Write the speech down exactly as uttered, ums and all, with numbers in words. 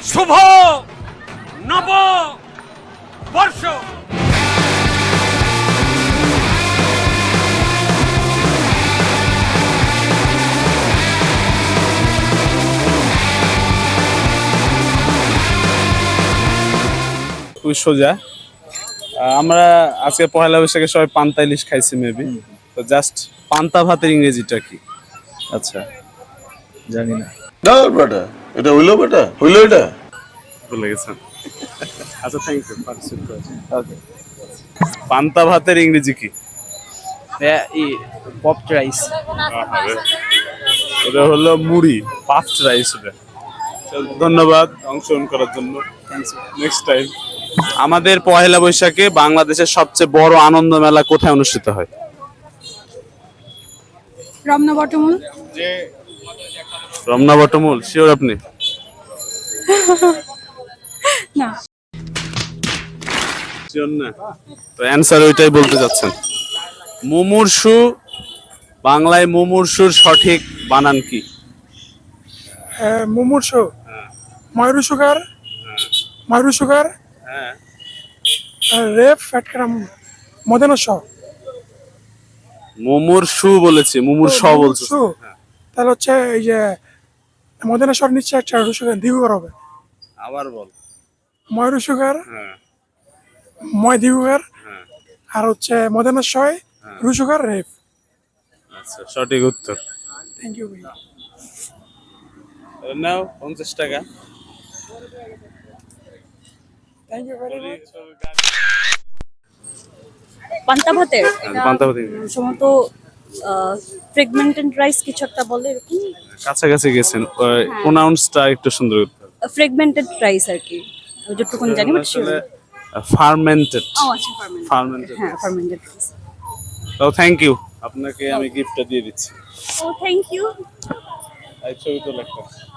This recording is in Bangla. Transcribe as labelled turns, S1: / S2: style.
S1: শুভ নব বর্ষ।
S2: খুবই সোজা। আমরা আজকে পহেলা বৈশাখে সবাই পান্তা ইলিশ খাইছি মেবি, তো জাস্ট পান্তা ভাতের ইংরেজিটা কি?
S3: আচ্ছা, জানি না।
S4: না বেটা, এটা হইলো বেটা, হইলো এটা।
S2: ভুলে গেছেন। আচ্ছা, থ্যাংক ইউ পার্টিসিপেট করেছেন। ওকে, পান্তা ভাতের ইংরেজি কি?
S3: Popped rice.
S2: এটা হলো মুড়ি, পাফড রাইস। এটা ধন্যবাদ অংশগ্রহণ করার জন্য। Next time. আমাদের পহেলা বৈশাখে বাংলাদেশের সবচেয়ে বড় আনন্দ মেলা কোথায় অনুষ্ঠিত হয়?
S5: রমনা বটমূল।
S2: রমনা বটমূল, শিওর আপনি?
S5: না,
S2: শিওর না? তো অ্যানসার ওইটাই বলতে যাচ্ছেন। মুমূর্ষু, বাংলায় মুমূর্ষুর সঠিক বানান কি?
S6: মুমূর্ষ, ময়ূর সুগার, ময়ূর সুগার,
S2: হ্যাঁ,
S6: রেপ ফ্যাটক্রাম, মদনস।
S2: মুমূর্ষু বলেছি, মুমূর্ষ বলছি।
S6: তাহলে হচ্ছে এই যে মদনেশ্বর নিচ্ছে একটা সুগার দীর্ঘকার হবে।
S2: আবার বল।
S6: ময়ূর সুগার,
S2: হ্যাঁ,
S6: ময় দীর্ঘকার,
S2: হ্যাঁ,
S6: আর হচ্ছে মদনেশ্বর রু সুগার রেপ।
S2: আচ্ছা, সঠিক উত্তর।
S6: থ্যাংক ইউ ভাই।
S2: নাও পঞ্চাশ টাকা।
S6: Thank you very much.
S7: পান্তা ভাতের
S2: পান্তা ভাত
S7: সম্ভবত ফ্রেগমেন্টেড রাইস কিছু একটা বলে এরকম।
S2: কাছাকাছি গেছেন, প্রোনাউন্সটা একটু সুন্দর করতে হবে।
S7: ফ্রেগমেন্টেড রাইস আর কি, যতটুকুন জানি বাট শিওর।
S2: ফার্মেন্টেড।
S7: ও আচ্ছা, ফার্মেন্টেড।
S2: ফার্মেন্টেড।
S7: হ্যাঁ, ফার্মেন্টেড রাইস।
S2: তো থ্যাংক ইউ, আপনাকে আমি গিফটটা দিয়ে দিচ্ছি।
S7: ও থ্যাংক ইউ।
S2: এই ছবি তো লেখা।